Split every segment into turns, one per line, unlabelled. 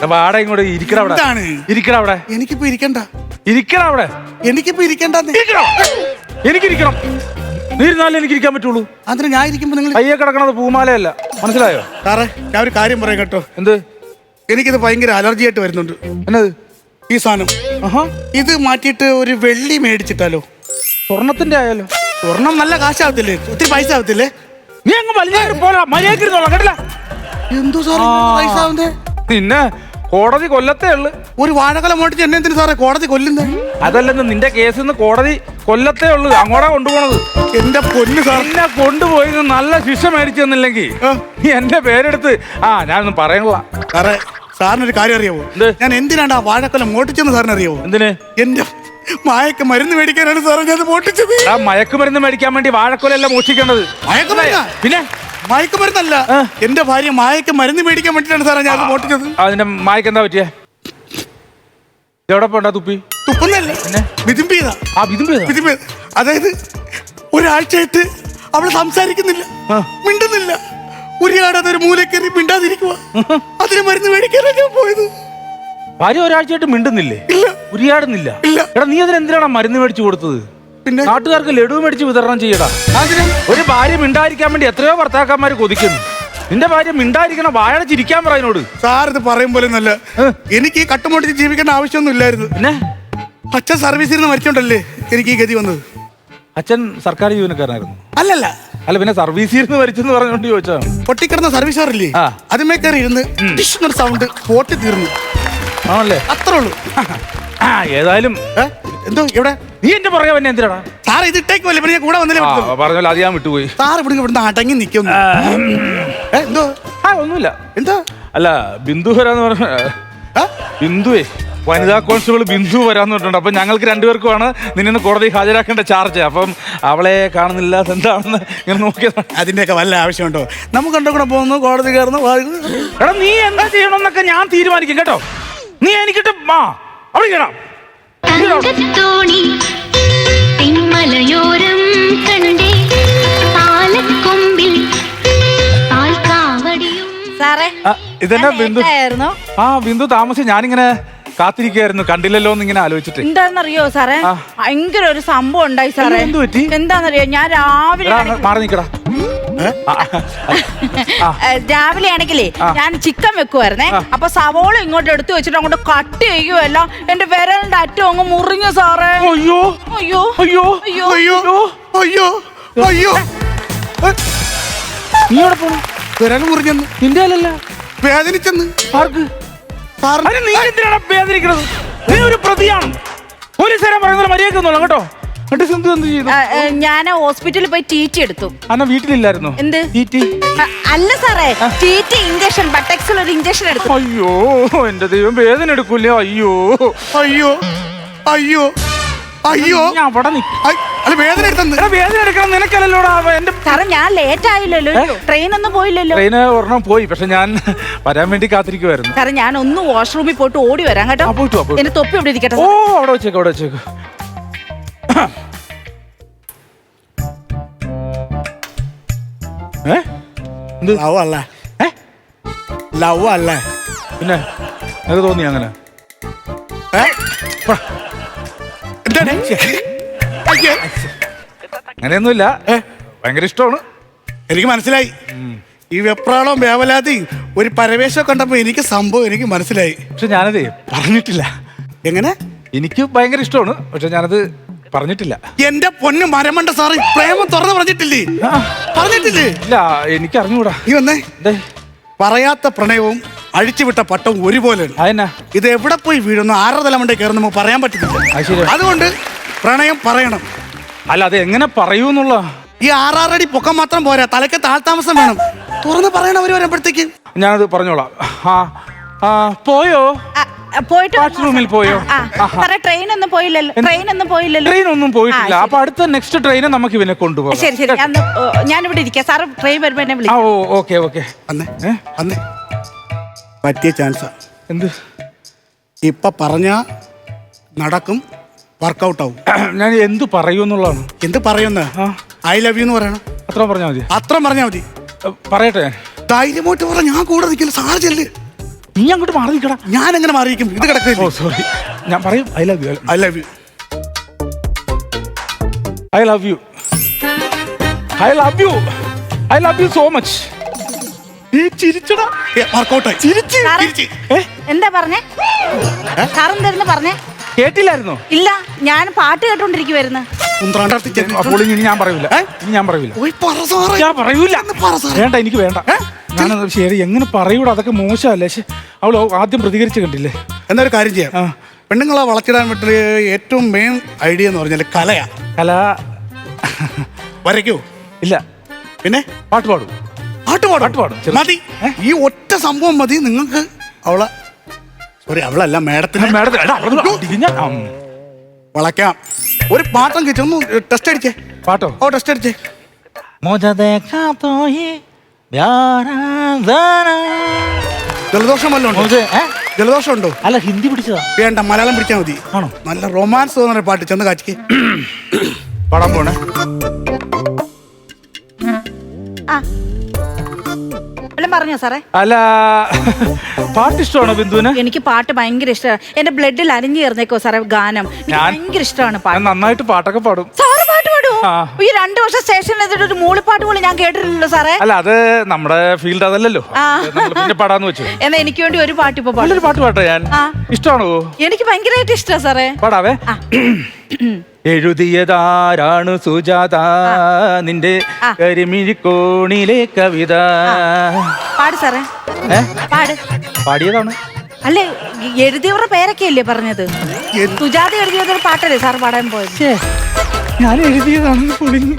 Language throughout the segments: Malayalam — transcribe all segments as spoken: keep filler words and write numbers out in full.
വാടക ഇങ്ങോട്ട് ഇരിക്കട അവിടെ. ഇരിക്കട അവിടെ.
എനിക്കിപ്പോ ഇരിക്കണ്ട.
ഇരിക്കട അവിടെ.
എനിക്കിപ്പോ ഇരിക്കണ്ട.
എനിക്കിരിക്കണം. നീ ഇരുന്നാലേ എനിക്ക് ഇരിക്കാൻ പറ്റുള്ളൂ.
അതിന് ഞാൻ ഇരിക്കുമ്പോ നിങ്ങൾ
കയ്യെ കിടക്കണത് പൂമാലയല്ല, മനസ്സിലായോ?
സാറേ ഞാൻ ഒരു കാര്യം പറയാം കേട്ടോ.
എന്ത്?
എനിക്കിത് ഭയങ്കര അലർജി ആയിട്ട് വരുന്നുണ്ട്.
എന്നത്
ഈ സാധനം? ഇത് മാറ്റിയിട്ട് ഒരു വെള്ളി മേടിച്ചിട്ടാലോ?
സ്വർണത്തിന്റെ ആയാലോ?
സ്വർണം നല്ല കാശാവത്തില്ലേ? ഒത്തിരി പൈസ ആവത്തില്ലേ?
നീ അങ്ങ് വലിയ പോലെ മര്യാദക്കിരുന്നോളാം കേട്ടില്ല.
എന്തോ സാറേ പൈസ ആവുന്നേ?
പിന്നെ കോടതി കൊല്ലത്തേ ഉള്ളു.
ഒരു വാഴക്കൊല മോട്ടിച്ച് എന്നെ എന്തിനു സാറേ കോടതി കൊല്ലുന്നേ?
അതല്ലെന്ന് നിന്റെ കേസിൽ നിന്ന് കോടതി കൊല്ലത്തേ ഉള്ളു. അങ്ങോട്ടാ കൊണ്ടുപോണത്.
എന്റെ പൊന്നു സാർ,
എന്നെ കൊണ്ടുപോയി നല്ല ശിക്ഷ മേടിച്ചു തന്നില്ലെങ്കിൽ നീ എന്റെ പേരെടുത്ത് ആ ഞാനൊന്നും പറയണില്ല.
സാറേ സാറിനൊരു കാര്യം അറിയാവോ? ഞാൻ എന്തിനാണ് ആ വാഴക്കൊല മോട്ടിച്ചെന്ന് സാറിന് അറിയാവോ?
എന്തിന്?
എന്റെ മായക്ക് മരുന്ന് മേടിക്കാനാണ് സാറേ ഞാൻ മോട്ടിച്ചത്.
ആ മയക്കുമരുന്ന് മേടിക്കാൻ വേണ്ടി വാഴക്കൊലല്ല മോഷിക്കേണ്ടത്.
മയക്കുമരുന്ന്?
പിന്നെ
മയക്കുമരുന്നല്ല, എന്റെ ഭാര്യ മായക്ക് മരുന്ന് മേടിക്കാൻ വേണ്ടിട്ടാണ് സാറേ ഞാൻ മോട്ടിച്ചത്.
അതിന്റെ മായക്ക് എന്താ പറ്റിയ? എവിടെ പോണ്ടാ തുപ്പി?
തുപ്പുന്നല്ലേ, വിതുമ്പിയതാ.
ആ വിതുമ്പിയതാ
വിതുമ്പിയത്. അതായത് ഒരാഴ്ചയായിട്ട് അവള് സംസാരിക്കുന്നില്ല, മിണ്ടുന്നില്ല. ഉരിയാടാതെ ഒരു മൂലക്കറി മിണ്ടാതിരിക്കുക. അതിന് മരുന്ന് മേടിക്കാനാണ് ഞാൻ പോയത്.
ഭാര്യ ഒരാഴ്ചയായിട്ട് മിണ്ടുന്നില്ലേ?
ഇല്ല.
ഉരിയാടുന്നില്ല?
ഇല്ല.
എടാ നീ അതിന് എന്തിനാണ് മരുന്ന് മേടിച്ചു കൊടുത്തത്?
പിന്നെ
നാട്ടുകാർക്ക് ലഡു മേടിച്ച് വിതരണം ചെയ്യടാ. ഒരു ഭാര്യ മിണ്ടായിരിക്കാൻ വേണ്ടി എത്രയോ ഭർത്താക്കന്മാര് കൊതിക്കുന്നു. നിന്റെ ഭാര്യ മിണ്ടായിരിക്കണം, വാഴ ചിരിക്കാൻ പറയുന്നോട്.
സാർ ഇത് പറയും പോലെ നല്ല എനിക്ക് ഈ കട്ടുമോട്ടിച്ച് ജീവിക്കേണ്ട ആവശ്യമൊന്നും ഇല്ലായിരുന്നു. പിന്നെ അച്ഛൻ സർവീസിൽ നിന്ന് മരിച്ചോണ്ടല്ലേ എനിക്ക് ഈ ഗതി വന്നത്.
അച്ഛൻ സർക്കാർ ജീവനക്കാരനായിരുന്നു?
അല്ലല്ല.
അല്ല പിന്നെ സർവീസിൽ നിന്ന് മരിച്ചെന്ന് പറഞ്ഞോണ്ട് ചോദിച്ചാ.
പൊട്ടിക്കിടന്ന സർവീസ് കാറില്ലേ, അതിമേ കയറി ഇരുന്ന് സൗണ്ട് പൊട്ടി തീർന്നു. ആണല്ലേ? അത്രേ ഉള്ളൂ.
ആ ഏതായാലും
എന്തോ ഇവിടെ
നീ എന്റെ പുറകെ പിന്നെ എന്തിനാടാ?
സാർ ഇത് ഇട്ടേക്കുമല്ലേ, പിന്നെ കൂടെ വന്നില്ലേ?
പറഞ്ഞല്ലോ അത് ഞാൻ വിട്ടുപോയി.
സാർ ഇവിടെ ഇവിടുന്ന് അടങ്ങി നിൽക്കുന്നു. എന്തോ?
ആ ഒന്നുമില്ല.
എന്താ?
അല്ല ബിന്ദു വരാന്ന് പറഞ്ഞ ബിന്ദുവേ, വനിതാ കോൺസ്റ്റബിൾ ബിന്ദു വരാന്ന് പറഞ്ഞിട്ടുണ്ട്. അപ്പൊ ഞങ്ങൾക്ക് രണ്ടുപേർക്കുമാണ് നിന്നെ കോടതി ഹാജരാക്കേണ്ട ചാർജ്. അപ്പം അവളെ കാണുന്നില്ല, എന്താണെന്ന് ഇങ്ങനെ നോക്കിയതാണ്.
അതിന്റെയൊക്കെ വല്ല ആവശ്യമുണ്ടോ? നമുക്ക് കണ്ടു കൂടെ പോകുന്നു, കോടതി കയറുന്നു.
എടാ നീ എന്താ ചെയ്യണമെന്നൊക്കെ ഞാൻ തീരുമാനിക്കും കേട്ടോ. നീ എനിക്കിട്ട് മാ അവിടെ കേടാം. ഇതെന്നാ ബിന്ദു? ആ ബിന്ദു താമസിച്ച് ഞാനിങ്ങനെ കാത്തിരിക്കായിരുന്നു, കണ്ടില്ലല്ലോ എന്ന് ഇങ്ങനെ ആലോചിച്ചിട്ട്.
എന്താണെന്നറിയോ സാറേ, ഭയങ്കര ഒരു സംഭവം ഉണ്ടായി സാറേ.
എന്ത് പറ്റി?
എന്താണെന്നറിയോ, ഞാൻ രാവിലെ
മാറി നിക്കടാ.
രാവിലെ ആണെങ്കിലേ ഞാൻ ചിക്കൻ വെക്കുവായിരുന്നേ. അപ്പൊ സവോള ഇങ്ങോട്ട് എടുത്തു വെച്ചിട്ട് അങ്ങോട്ട് കട്ട് ചെയ്യുമല്ല, എന്റെ വിരലിന്റെ അറ്റം അങ്ങ് മുറിഞ്ഞു സാറേ.
അയ്യോ
അയ്യോ
അയ്യോ
അയ്യോ അയ്യോ അയ്യോ.
നീ എവിടെ പോണു?
വിരൽ മുറിഞ്ഞെന്ന്.
നിന്റെ അല്ലല്ല,
വേദനിച്ചെന്ന്.
ആർക്ക്? നീ എന്തിനാണ് വേദനിക്കണത്? നീ ഒരു പ്രതിയാണ്. പോലീസുകാരൻ പറയുന്നത് മര്യാദ കേട്ടോ.
ഞാൻ ഹോസ്പിറ്റലിൽ പോയി ടീറ്റി എടുത്തു.
അന്ന വീട്ടിലില്ലായിരുന്നു?
എന്ത് ടീറ്റി? അല്ല സാറേ, ടീറ്റി ഇഞ്ചക്ഷൻ, ബട്ടക്സിൽ ഒരു ഇഞ്ചക്ഷൻ എടുത്തു.
അയ്യോ എന്റെ ദൈവം, വേദന എടുക്കൂലേ? അയ്യോ
അയ്യോ അയ്യോ അയ്യോ. വേദന
വേദന എടുക്കണം നിനക്കല്ലോ.
സാറേ ഞാൻ ലേറ്റ് ആയില്ലല്ലോ, ട്രെയിൻ ഒന്നും പോയില്ലല്ലോ.
ട്രെയിന് ഒരെണ്ണം പോയി, പക്ഷെ ഞാൻ വരാൻ വേണ്ടി കാത്തിരിക്കുവായിരുന്നു.
സാറേ ഞാൻ ഒന്ന് വാഷ്റൂമിൽ പോയിട്ട് ഓടി വരാം കേട്ടോ. എന്റെ തൊപ്പി ഇവിടെ ഇരിക്കട്ടെ.
ഓ അവിടെ വെച്ചേക്ക്, അവിടെ വെച്ചേക്ക്.
ലവ് അല്ലേ? ലവ് അല്ലേ?
പിന്നെ നിനക്ക് തോന്നി അങ്ങനെ? അങ്ങനെയൊന്നുമില്ല, ഭയങ്കര ഇഷ്ടമാണ്.
എനിക്ക് മനസ്സിലായി. ഈ വെപ്രാളവും വേവലാതി ഒരു പരവേശം കണ്ടപ്പോ എനിക്ക് സംഭവം എനിക്ക് മനസ്സിലായി.
പക്ഷെ ഞാനത് പറഞ്ഞിട്ടില്ല.
എങ്ങനെ?
എനിക്ക് ഭയങ്കര ഇഷ്ടമാണ്, പക്ഷെ ഞാനത് പറഞ്ഞിട്ടില്ല.
എന്റെ പൊന്ന് മരമണ്ട സാറ്, പ്രേമം തുറന്ന് പറഞ്ഞിട്ടില്ലേ? പറഞ്ഞിട്ടില്ലേ?
ഇല്ല, എനിക്ക് അറിഞ്ഞൂടാ.
നീ വന്നേ. പറയാത്ത പ്രണയവും അഴിച്ചുവിട്ട പട്ടവും ഒരുപോലെയാണ്. ഇത് എവിടെ പോയി വീഴുന്നു, ആറര തലമുണ്ടേ കയറുന്ന നമുക്ക് പറയാൻ പറ്റുന്നില്ല. അതുകൊണ്ട് പ്രണയം പറയണം.
അല്ല അത് എങ്ങനെ പറയൂന്നുള്ള
ഈ ആറാറടി പൊക്കം മാത്രം പോരാ, തലയ്ക്ക് താഴ്ത്താമസം വേണം. തുറന്ന് പറയണം അവര് വരുമ്പോഴത്തേക്ക്.
ഞാനത് പറഞ്ഞോളാം. പോയോ?
പോയിട്ട്
റൂമിൽ പോയോ?
ട്രെയിൻ ഒന്നും പോയില്ലല്ലോ. ട്രെയിൻ ഒന്നും പോയില്ലല്ലോ.
ട്രെയിൻ ഒന്നും പോയിട്ടില്ല. അപ്പൊ അടുത്ത നെക്സ്റ്റ് ട്രെയിന് നമുക്ക് ഇവനെ കൊണ്ടുപോകാം.
ശരി ശരി, ഞാൻ ഇവിടെ ഇരിക്കാം. സാറ് ട്രെയിൻ വരുമ്പോ എന്നെ വിളിക്കാം.
Okay okay.
അന്നേ അന്നേ പറ്റിയ ചാൻസാ.
എന്ത്?
ഇപ്പൊ പറഞ്ഞ നടക്കും, വർക്കൗട്ട് ആവും.
ഞാൻ എന്ത് പറയൂന്നുള്ളതാണ്.
എന്ത് പറയുന്ന? ഐ ലവ് യു എന്ന് പറയണം.
അത്ര പറഞ്ഞാൽ മതി?
അത്ര പറഞ്ഞാൽ മതി.
പറയട്ടെ?
ധൈര്യമായിട്ട് പറ, ഞാൻ കൂടെ നിൽക്കില്ല. സാർ ചെല്ല്.
നീ അങ്ങോട്ട് മാറി നിൽക്കടാ.
ഞാൻ എങ്ങനെ മാറിയിരിക്കും? ഇത് കിടക്കില്ല.
ഓ സോറി, ഞാൻ പറയും I love you.
I love you.
I love you. I love you. I love you so much. നീ ചിരിച്ചടാ.
വർക്കൗട്ടായി.
ചിരിച്ച്
സാറേ, എന്താ പറഞ്ഞേ? സാറെന്തായിരുന്നു പറഞ്ഞേ?
കേട്ടില്ലായിരുന്നോ?
ഇല്ല, ഞാൻ പാട്ട് കേട്ടോണ്ടിരിക്കുവായിരുന്നു.
അപ്പോൾ ഇനി ഞാൻ പറയൂല. ഇനി ഞാൻ പറയൂല. ഞാൻ പറയൂല. വേണ്ട, എനിക്ക് വേണ്ട. ഞാനത് ശരി എങ്ങനെ പറയൂടാ, അതൊക്കെ മോശമല്ലേ. പക്ഷെ അവൾ ആദ്യം പ്രതികരിച്ച് കണ്ടില്ലേ.
എന്നൊരു കാര്യം ചെയ്യാം. പെണ്ണുങ്ങളെ വളച്ചിടാൻ പറ്റിയ ഏറ്റവും മെയിൻ ഐഡിയ എന്ന് പറഞ്ഞാൽ കലയാ.
കല
വരയ്ക്കോ?
ഇല്ല.
പിന്നെ
പാട്ട് പാടും.
പാട്ട് പാടും പാടും മതി. ഈ ഒറ്റ സംഭവം മതി നിങ്ങൾക്ക് അവളെ, സോറി അവളല്ല മേഡത്തിന് വളയ്ക്കാം. ഒരു പാട്ടം കിട്ടുന്നു. ടെസ്റ്റ് അടിച്ചേ.
പാട്ടോ?
ഓ ടെസ്റ്റ് അടിച്ചേ. ജലദോഷം വല്ലതും ഉണ്ടോ? ജലദോഷം ഉണ്ടോ?
അല്ല, ഹിന്ദി പിടിച്ചതാ.
വേണ്ട, മലയാളം പിടിച്ചാൽ മതി. ആണോ? നല്ല റൊമാൻസ് തോന്നുന്ന പാട്ട് ചെന്ന് കാച്ചിക്ക്.
പാടാൻ പോണേ.
പറഞ്ഞോ സാറേ?
അല്ല, പാട്ട് ഇഷ്ടമാണോ ബിന്ദുവിന്?
എനിക്ക് പാട്ട് ഭയങ്കര ഇഷ്ടമാണ്. എന്റെ ബ്ലഡിൽ അലിഞ്ഞു ചേർന്നേക്കോ സാറേ ഗാനം. ഭയങ്കര ഇഷ്ടമാണ് പാട്ട്.
നന്നായിട്ട് പാട്ടൊക്കെ പാടും.
സാറ് പാട്ട് പാടുമോ? ഈ രണ്ടു വർഷം സ്റ്റേഷനിൽ എത്തിയിട്ട് ഒരു മൂളിപ്പാട്ട് പോലും ഞാൻ കേട്ടിട്ടില്ലല്ലോ സാറേ.
അല്ല, അത് നമ്മുടെ ഫീൽഡ് അതല്ലല്ലോ. പിന്നെ പാടാന്ന് വെച്ചു.
എന്നാ എനിക്ക് വേണ്ടി ഒരു പാട്ട് ഇപ്പൊ
പാട്ട് പാട്ട് പാട്ടോ. ഞാൻ ഇഷ്ടമാണോ?
എനിക്ക് ഭയങ്കരമായിട്ട് ഇഷ്ടമാണ് സാറേ.
പാടാവേ. എഴുതിയതാരാണ് സുജാത നിന്റെ കരിമിഴിക്കോണിലെ കവിത.
പാട് സാറേ. പാട്.
പാടിയതാണ്.
അല്ലേ, എഴുതിയവരുടെ പേരൊക്കെ അല്ലേ പറഞ്ഞത്? സുജാത എഴുതിയതൊരു പാട്ടല്ലേ സാർ പാടാൻ പോയത്?
ഞാൻ എഴുതിയതാണ്.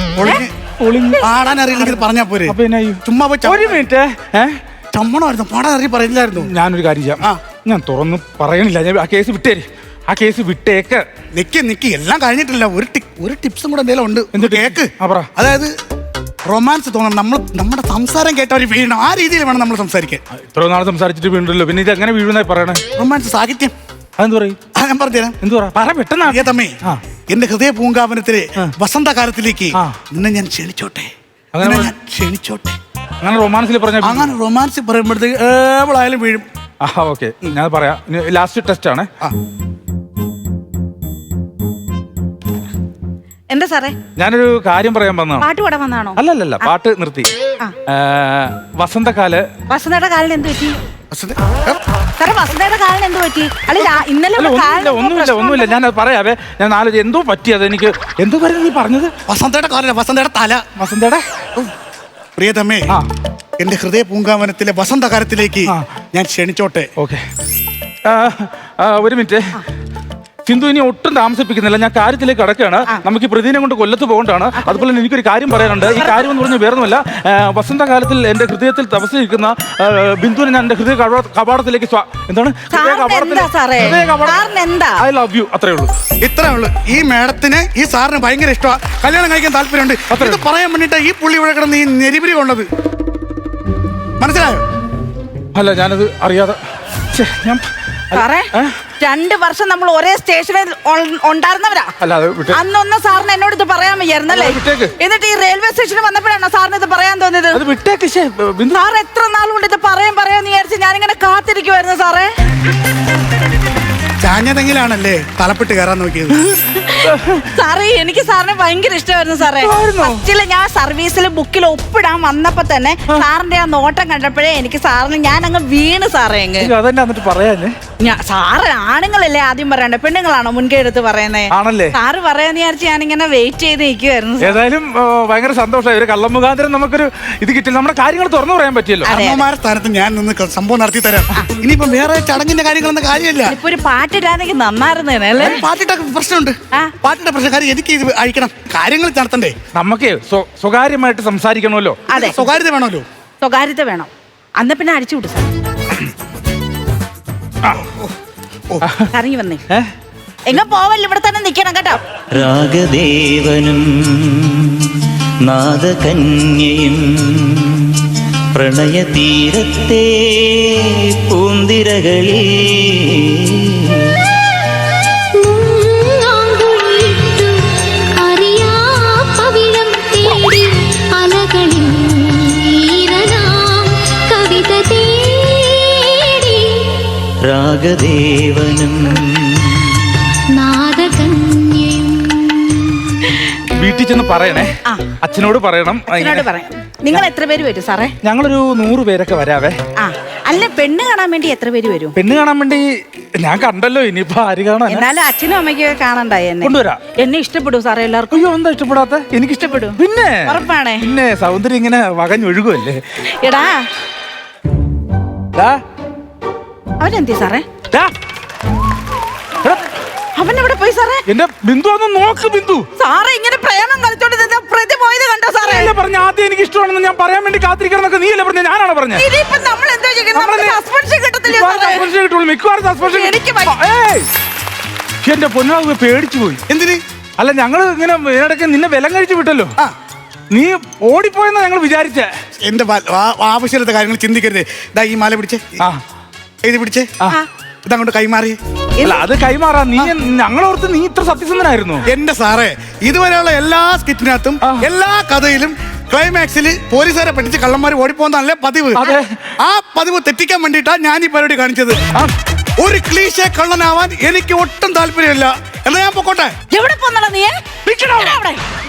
പാടാൻ അറിയില്ലെങ്കിൽ പറഞ്ഞാ പോരെ. ചുമ്മാ
ഒരു മിനിറ്റ്.
ചമ്മണമായിരുന്നു, പാടാൻ അറിയി പറയില്ലായിരുന്നു.
ഞാനൊരു കാര്യം ചെയ്യാം. ഞാൻ തുറന്ന് പറയണില്ല. ഞാൻ ആ കേസ് വിട്ടേര്. ആ കേസ് വിട്ടേക്ക്.
നിക്ക് നിക്ക്, എല്ലാം കഴിഞ്ഞിട്ടില്ല. ഒരു ഒരു ടിപ്സും കൂടെ എന്തെങ്കിലും ഉണ്ട്. എന്ത് കേക്ക്? അതായത് റൊമാൻസ് തോന്നണം. നമ്മൾ നമ്മുടെ സംസാരം കേട്ടവർ വീഴണം. ആ രീതിയിൽ വേണം നമ്മൾ സംസാരിക്കാൻ.
ഇത്ര നാൾ സംസാരിച്ചിട്ട് വീണ്ടല്ലോ, പിന്നെ ഇത് എങ്ങനെ വീഴുന്നായി പറയണേ?
റൊമാൻസ് സാഹിത്യം.
അതെന്ത് പറയും?
ഞാൻ പറഞ്ഞുതരാം.
എന്ത് പറ പെട്ടെന്ന്.
തമ്മേ, എന്റെ ഹൃദയ പൂങ്കാവനത്തിലെ വസന്തകാലത്തിലേക്ക് നിന്നെ ഞാൻ ക്ഷണിച്ചോട്ടെ. അങ്ങനെ ഞാൻ ക്ഷണിച്ചോട്ടെ.
അങ്ങനെ റൊമാൻസിൽ പറഞ്ഞ
അങ്ങനെ റൊമാൻസിൽ പറയുമ്പോഴത്തേക്ക് ഏവളായാലും വീഴും.
ആ ഓക്കെ, ഞാൻ പറയാം. ലാസ്റ്റ് ടെസ്റ്റ് ആണ്.
എന്താ സാറേ?
ഞാനൊരു കാര്യം പറയാൻ വന്നതാണ്.
പാട്ട് പാടാൻ വന്നാണോ?
അല്ലല്ല, പാട്ട് നിർത്തി. വസന്തകാല
വസന്തയുടെ കാലിന് എന്ത് പറ്റി സാറേ? വസന്തയുടെ കാലിന് എന്ത് പറ്റി? അല്ല, ഇന്നലെ
ഒന്നുമില്ല ഒന്നുമില്ല ഞാൻ പറയാവേ. ഞാൻ നാല് എന്തോ പറ്റിയത്. എനിക്ക് എന്തോ പറയുന്നത് നീ പറഞ്ഞത്?
വസന്തയുടെ കാലല്ല, വസന്തയുടെ തല.
വസന്തയുടെ
പ്രിയതമേ, എന്റെ ഹൃദയ പൂങ്കാവനത്തിലെ വസന്തകാലത്തിലേക്ക് ഞാൻ ക്ഷണിച്ചോട്ടെ.
ഓക്കെ, ഒരു മിനിറ്റ്. സിന്ധു ഇനി ഒട്ടും താമസിപ്പിക്കുന്നില്ല. ഞാൻ കാര്യത്തിലേക്ക് കടക്കുകയാണ്. നമുക്ക് ഈ പ്രതിനെ കൊണ്ട് കൊല്ലത്ത് പോകേണ്ടതാണ്. അതുപോലെ തന്നെ എനിക്കൊരു കാര്യം പറയാനുണ്ട്. ഈ കാര്യം എന്ന് പറഞ്ഞാൽ വേറൊന്നുമല്ല. വസന്തകാലത്തിൽ എന്റെ ഹൃദയത്തിൽ തപസ്സിരിക്കുന്ന ബിന്ദുവിനെ ഞാൻ എന്റെ ഹൃദയ കവാടത്തിലേക്ക് എന്താണ് ഐ ലവ് യു. അത്രേ ഉള്ളൂ.
ഇത്രേ ഉള്ളൂ. ഈ മേഡത്തിന് ഈ സാറിന് ഭയങ്കര ഇഷ്ടമാണ്. കല്യാണം കഴിക്കാൻ താല്പര്യമുണ്ട്. ഇത് പറയാൻ വേണ്ടിട്ട് ഈ പുള്ളി ഇവിടെ കിടന്ന് ഈ നെരിപിരി കൊണ്ടത് മനസ്സിലായോ?
അല്ല, ഞാനത് അറിയാതെ. ഞാൻ
സാറേ, രണ്ട് വർഷം നമ്മൾ ഒരേ സ്റ്റേഷനിൽ ഉണ്ടായിരുന്നവരാ. അന്നൊന്നും സാറിന് എന്നോട് ഇത് പറയാൻ വയ്യായിരുന്നല്ലേ? എന്നിട്ട് ഈ റെയിൽവേ സ്റ്റേഷനിൽ വന്നപ്പോഴാണോ സാറിന് ഇത് പറയാൻ തോന്നിയത്? സാർ എത്ര നാൾ കൊണ്ട് ഇത് പറയാൻ പറയാന്ന് വിചാരിച്ച് ഞാനിങ്ങനെ കാത്തിരിക്കുവായിരുന്നു സാറേ.
ചാഞ്ഞതെങ്കിലാണല്ലേ തലപ്പെട്ട് കയറാൻ നോക്കിയത്.
സാറേ, എനിക്ക് സാറിനെ ഭയങ്കര ഇഷ്ടമായിരുന്നു സാറേ. ഫസ്റ്റില് ഞാൻ സർവീസിൽ ബുക്കിൽ ഒപ്പിടാൻ വന്നപ്പോ തന്നെ സാറിന്റെ ആ നോട്ടം കണ്ടപ്പോഴേ എനിക്ക് സാറിന് ഞാൻ അങ്ങ് വീണ് സാറേ.
അങ്ങ് പറയാന്
സാറ് ആണുങ്ങളല്ലേ ആദ്യം പറയണ്ടേ, പെണ്ണുങ്ങളാണോ മുൻകൈ എടുത്ത് പറയുന്നത്?
ആണല്ലേ?
സാറ് പറയാന്ന് വിചാരിച്ച് ഞാനിങ്ങനെ വെയിറ്റ് ചെയ്ത് നിൽക്കുവായിരുന്നു.
ഏതായാലും ഭയങ്കര സന്തോഷമായി. ഒരു കള്ളം മുഖാന്തരം നമുക്കൊരു ഇത് കിട്ടില്ല. നമ്മുടെ കാര്യങ്ങൾ തുറന്നു പറയാൻ പറ്റിയല്ലോ.
അമ്മമാരുടെ സ്ഥാനത്ത് ഞാൻ നിന്ന് സംഭവം നടത്തി തരാം. ഇനിയിപ്പോ വേറെ ചടങ്ങിന്റെ കാര്യങ്ങളൊന്നും കാര്യമില്ല.
ഇപ്പൊ ഒരു പാട്ടിടാനെങ്കിൽ നന്നായിരുന്നേ.
പാട്ടിട്ടൊക്കെ പ്രശ്നമുണ്ട്. പാട്ടിന്റെ പ്രശ്നക്കാരി എനിക്ക് ഇത് അയക്കണം. കാര്യങ്ങൾ നടത്തണ്ടേ?
നമുക്ക് സ്വകാര്യമായിട്ട് സംസാരിക്കണമല്ലോ.
അതെ,
സ്വകാര്യത വേണമല്ലോ.
സ്വകാര്യത വേണം. അന്ന് പിന്നെ അടിച്ചു വിട്ടു സാർ. ഇറങ്ങി വന്നേ. എങ്ങ പോവല്ലോ, ഇവിടെ തന്നെ നിക്കണം കേട്ടോ.
രാഗദേവനും നാദകന്യയും പ്രണയതീരത്തെ പൂന്തിരകളിൽ
കവിത തേടി
നാഗദേവനും
നാദകന്യയും.
വീട്ടിൽ ചെന്ന് പറയണേ,
ആ.
അച്ഛനോട് പറയണം.
അച്ഛനോട് പറയാം. നിങ്ങൾ എത്ര പേര് വരും സാറേ?
ഞങ്ങളൊരു നൂറ് പേരൊക്കെ വരാവേ.
ആ അല്ല, പെണ്ണ് കാണാൻ വേണ്ടി എത്ര പേര് വരും?
പെണ്ണ് കാണാൻ വേണ്ടി ഞാൻ കണ്ടല്ലോ, ഇനിയിപ്പോ ആര് കാണാൻ?
എന്നാലും അച്ഛനും അമ്മയ്ക്കും കാണണ്ടായി എന്നെ.
കൊണ്ടുവരാം.
എന്നെ ഇഷ്ടപ്പെടും സാറേ എല്ലാവർക്കും.
അയ്യോ, എന്താ ഇഷ്ടപ്പെടാത്ത? എനിക്ക് ഇഷ്ടപ്പെടും. പിന്നെ
ഉറപ്പാണേ?
പിന്നെ സൗന്ദര്യം ഇങ്ങനെ വകഞ്ഞൊഴുകുമല്ലേ.
എടാ
ദാ,
അവനെന്തി സാറേ?
ദാ. എടാ,
അവൻ എവിടെ പോയി സാറേ?
എന്റെ ബിന്ദു ഒന്ന് നോക്ക്. ബിന്ദു
സാറേ ഇങ്ങനെ പ്രേമം കളിച്ചോണ്ട് നിന്ന പ്രതി പോയത് കണ്ടോ സാറേ?
നീയല്ലേ പറഞ്ഞ ആദ്യം എനിക്ക് ഇഷ്ടമാണെന്ന് ഞാൻ പറയാൻ വേണ്ടി കാത്തിരിക്കണം എന്നൊക്കെ നീയല്ലേ പറഞ്ഞ? ഞാനാണ് പറഞ്ഞത്.
ഇനിയിപ്പോ നമ്മൾ എന്തോ ചെയ്യണം? നമുക്ക് സസ്പെൻഷൻ കിട്ടത്തില്ലേ
മിക്കവാറും
സാറേ?
സസ്പെൻഷൻ കിട്ടുള്ളൂ. മിക്കവാറും സസ്പെൻഷൻ
എനിക്ക്
കിട്ടും. ഏയ്, എന്റെ പൊന്നാവ് പേടിച്ചു പോയി.
എന്തിന്?
അല്ല, ഞങ്ങള് ഇങ്ങനെ ഇതിനിടയ്ക്ക് നിന്നെ വിലം കഴിച്ചു വിട്ടല്ലോ.
ആ
നീ ഓടിപ്പോയെന്നാ ഞങ്ങൾ വിചാരിച്ചേ.
എന്റെ വ- ആ- ആവശ്യമില്ലാത്ത കാര്യങ്ങൾ ചിന്തിക്കരുത്. ഇതാ ഈ മാല പിടിച്ചേ,
ആ
ഇത് പിടിച്ചേ,
ആ.
ഇതങ്ങോട്ട് കൈമാറി.
അല്ല, അത് കൈമാറാ. നീ ഞങ്ങളോർത്ത് നീ ഇത്ര സത്യസന്ധനായിരുന്നു.
എന്റെ സാറേ, ഇതുവരെയുള്ള എല്ലാ സ്കിറ്റിനകത്തും
ആ.
എല്ലാ കഥയിലും ക്ലൈമാക്സിൽ പോലീസുകാരെ പറ്റിച്ച് കള്ളന്മാർ ഓടിപ്പോന്നല്ലേ പതിവ്.
അതെ.
ആ പതിവ് തെറ്റിക്കാൻ വേണ്ടിയിട്ടാ ഞാൻ ഈ പരിപാടി കാണിച്ചത്.
ആ.
ഒരു ക്ലീശ കള്ളനാവാൻ എനിക്ക് ഒട്ടും താല്പര്യമില്ല. എന്നാ ഞാൻ പൊക്കോട്ടെ.
എവിടെ പോന്നടാ നീ?
നിക്കടാ.
എടാ അവിടെ.